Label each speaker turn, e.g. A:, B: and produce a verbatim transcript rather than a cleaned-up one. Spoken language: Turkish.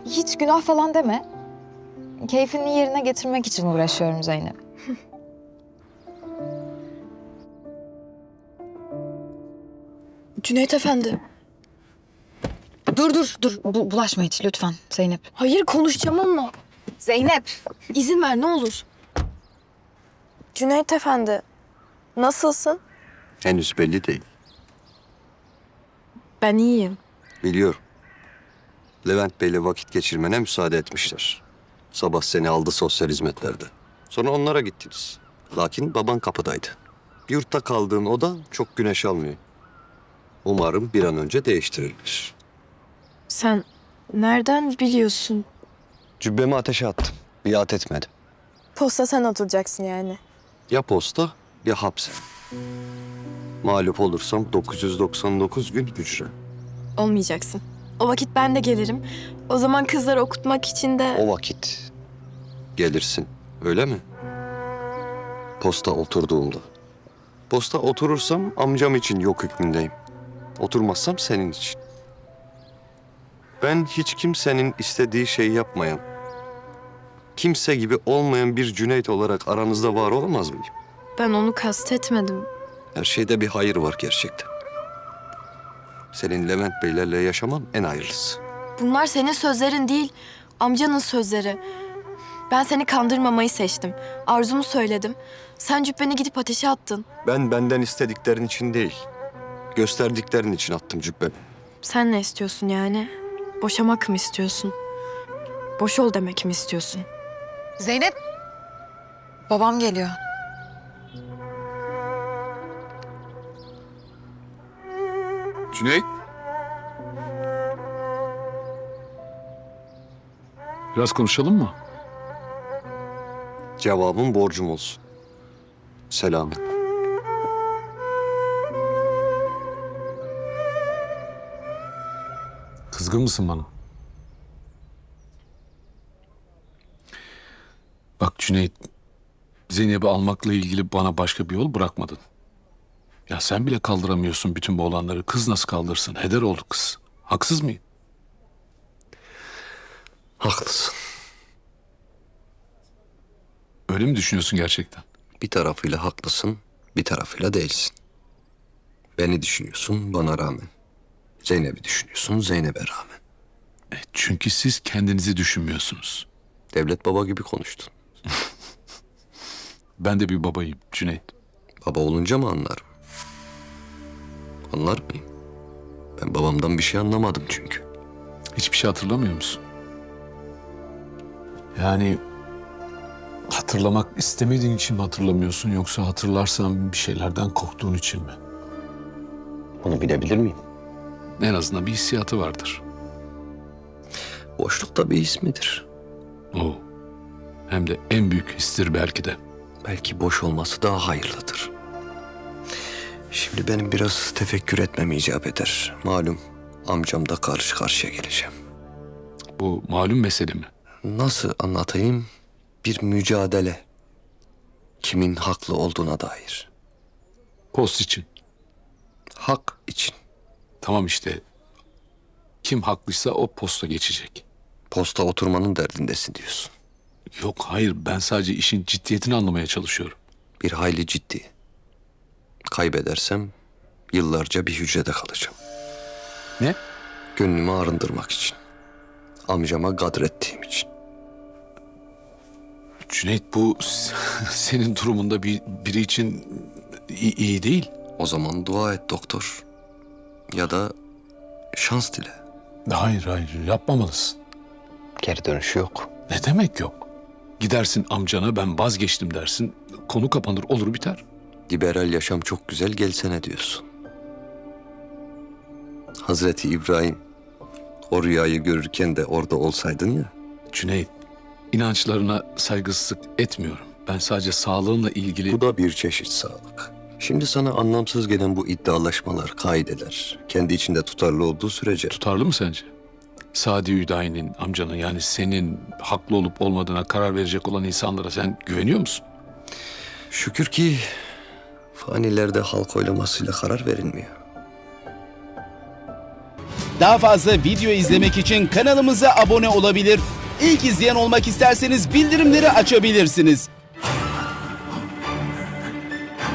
A: hiç günah falan deme. Keyfini yerine getirmek için uğraşıyorum Zeynep.
B: Cüneyt Efendi.
A: Dur dur dur Bu, bulaşma hiç lütfen Zeynep.
B: Hayır, konuşacağım onunla.
A: Zeynep.
B: İzin ver ne olur. Cüneyt Efendi. Nasılsın?
C: Henüz belli değil.
B: Ben iyiyim.
C: Biliyorum. Levent Bey'le vakit geçirmene müsaade etmişler. Sabah seni aldı sosyal hizmetlerde. Sonra onlara gittiniz. Lakin baban kapıdaydı. Yurtta kaldığın oda çok güneş almıyor. Umarım bir an önce değiştirilir.
B: Sen nereden biliyorsun?
C: Cübbemi ateşe attım. Biat etmedim.
B: Posta sen oturacaksın yani.
C: Ya posta ya hapse. Mağlup olursam dokuz yüz doksan dokuz gün hücre.
B: Olmayacaksın. O vakit ben de gelirim. O zaman kızları okutmak için de...
C: O vakit gelirsin, öyle mi? Posta oturduğumda. Posta oturursam amcam için yok hükmündeyim. Oturmazsam senin için. Ben hiç kimsenin istediği şeyi yapmayan, kimse gibi olmayan bir Cüneyt olarak aranızda var olamaz mıyım?
B: Ben onu kastetmedim.
C: Her şeyde bir hayır var gerçekten. Senin Levent Beylerle yaşaman en hayırlısı.
B: Bunlar senin sözlerin değil, amcanın sözleri. Ben seni kandırmamayı seçtim. Arzumu söyledim. Sen cübbeni gidip ateşe attın.
C: Ben benden istediklerin için değil, gösterdiklerin için attım cübbemi.
B: Sen ne istiyorsun yani? Boşamak mı istiyorsun? Boş ol demek mi istiyorsun?
A: Zeynep. Babam geliyor.
D: Cüneyt. Biraz konuşalım mı?
C: Cevabım borcum olsun. Selamet.
D: Kızgın mısın bana? Bak Cüneyt, Zeynep'i almakla ilgili bana başka bir yol bırakmadın. Ya sen bile kaldıramıyorsun bütün bu olanları. Kız nasıl kaldırsın? Heder oldu kız. Haksız mıyım?
C: Haklısın.
D: Öyle mi düşünüyorsun gerçekten?
C: Bir tarafıyla haklısın, bir tarafıyla değilsin. Beni düşünüyorsun bana rağmen. Zeynep'i düşünüyorsun Zeynep'e rağmen.
D: E, çünkü siz kendinizi düşünmüyorsunuz.
C: Devlet baba gibi konuştun.
D: Ben de bir babayım Cüneyt.
C: Baba olunca mı anlarım? Anlar mıyım? Ben babamdan bir şey anlamadım çünkü.
D: Hiçbir şey hatırlamıyor musun? Yani hatırlamak istemediğin için mi hatırlamıyorsun yoksa hatırlarsan bir şeylerden korktuğun için mi?
C: Onu bilebilir miyim?
D: En azından bir hissiyatı vardır.
C: Boşluk da bir ismidir.
D: O. Hem de en büyük histir belki de.
C: Belki boş olması daha hayırlıdır. Şimdi benim biraz tefekkür etmem icap eder. Malum amcam da karşı karşıya geleceğim.
D: Bu malum mesele mi?
C: Nasıl anlatayım? Bir mücadele. Kimin haklı olduğuna dair.
D: Post için.
C: Hak için.
D: Tamam işte. Kim haklıysa o posta geçecek.
C: Posta oturmanın derdindesin diyorsun.
D: Yok hayır ben sadece işin ciddiyetini anlamaya çalışıyorum.
C: Bir hayli ciddi. Kaybedersem yıllarca bir hücrede kalacağım.
D: Ne?
C: Gönlümü arındırmak için. Amcama gadrettiğim için.
D: Cüneyt bu senin durumunda bir, biri için iyi, iyi değil.
C: O zaman dua et doktor. Ya da şans dile.
D: Hayır hayır yapmamalısın.
C: Geri dönüşü yok.
D: Ne demek yok? Gidersin amcana ben vazgeçtim dersin. Konu kapanır olur biter.
C: Liberal yaşam çok güzel gelsene diyorsun. Hazreti İbrahim o rüyayı görürken de orada olsaydın ya.
D: Cüneyt inançlarına saygısızlık etmiyorum. Ben sadece sağlığınla ilgili...
C: Bu da bir çeşit sağlık. Şimdi sana anlamsız gelen bu iddialaşmalar, kaideler kendi içinde tutarlı olduğu sürece
D: Tutarlı mı sence? Sadi Hüdayi'nin, amcanın yani senin haklı olup olmadığına karar verecek olan insanlara sen güveniyor musun?
C: şükür ki fanilerde halk oylamasıyla karar verilmiyor.
E: Daha fazla video izlemek için kanalımıza abone olabilir. İlk izleyen olmak isterseniz bildirimleri açabilirsiniz.